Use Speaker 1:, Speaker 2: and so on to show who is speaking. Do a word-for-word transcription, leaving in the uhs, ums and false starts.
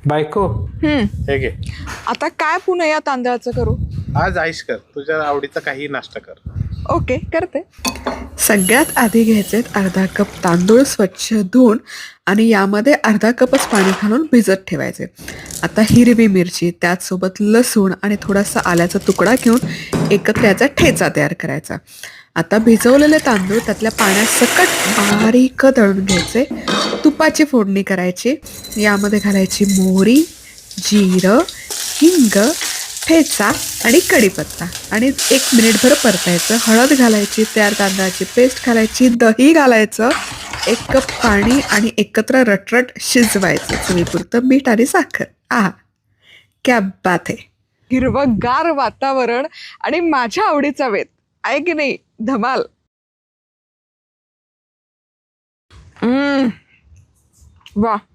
Speaker 1: बायको
Speaker 2: हम्म
Speaker 1: हे घे.
Speaker 2: आता काय पुन्हा या तांदळाचं करू?
Speaker 1: आज आईश कर, तुझ्या आवडीचा काही नाश्ता कर.
Speaker 2: ओके करते. सगळ्यात आधी घ्यायचे अर्धा कप तांदूळ स्वच्छ धुवून आणि यामध्ये अर्धा कपच पाणी घालून भिजत ठेवायचे. आता हिरवी मिरची त्याचसोबत लसूण आणि थोडासा आल्याचा तुकडा घेऊन एकत्र याचा ठेचा तयार करायचा. आता भिजवलेले तांदूळ त्यातल्या पाण्यात सकट बारीक दळून घ्यायचे. तुपाची फोडणी करायची. यामध्ये घालायची मोहरी, जिरं, हिंग, ठेचा आणि कढीपत्ता आणि एक मिनिटभर परतायचं. हळद घालायची, तयार तांदळाची पेस्ट घालायची, दही घालायचं, एक कप पाणी आणि एकत्र रटरट शिजवायचं. चवीपुरतं मीठ आणि साखर. आहा, क्या बात है. हिरवंगार वातावरण आणि माझ्या आवडीचा वेध आहे की नाही? धमाल. वा